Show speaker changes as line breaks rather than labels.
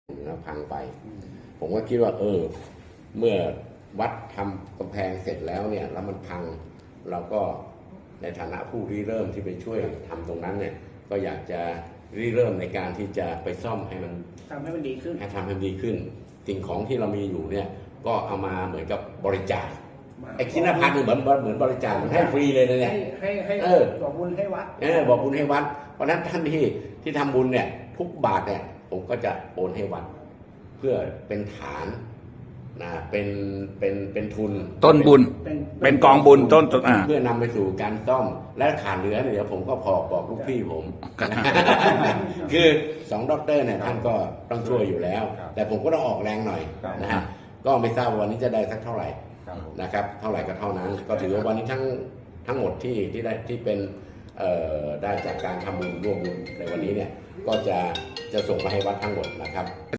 พังไปผมก็คิดว่าเมื่อวัดทำกำแพงเสร็จแล้วเนี่ยแล้วมันพังเราก็ในฐานะผู้ริเริ่มที่ไปช่วยทำตรงนั้นเนี่ยก็อยากจะริเริ่มในการที่จะไปซ่อมให้มัน
ทำให้มันดีขึ้น
สิ่งของที่เรามีอยู่เนี่ยก็เอามาเหมือนกับบริจาคไอ้ชิ้นละพันเหมือนบริจาคมันให้ฟรีเลยนะเนี่ย
ให้บอกบุญให้วัด
บอกบุญให้วัดเพราะนั้นท่านที่ทำบุญเนี่ยทุกบาทเนี่ยผมก็จะโอนให้วัดเพื่อเป็นฐานนะเป็นทุน
ต้นบุญเป็นกองบุญต้น
เพื่อนำไปสู่การซ่อมและขาดเหลือเดี๋ยวผมก็บอกลูกพี่ผมคือ2 ด็อกเตอร์เนี่ยท่านก็ต้องช่วยอยู่แล้วแต่ผมก็ต้องออกแรงหน่อยนะฮะก็ไม่ทราบวันนี้จะได้สักเท่าไหร่นะครับเท่าไหร่ก็เท่านั้นก็ถือว่าวันนี้ทั้งหมดที่ได้ที่เป็นได้จากการทำบุญร่วมบุญในวันนี้เนี่ยก็จะส่งมาให้วัดทั้งหมดนะครับ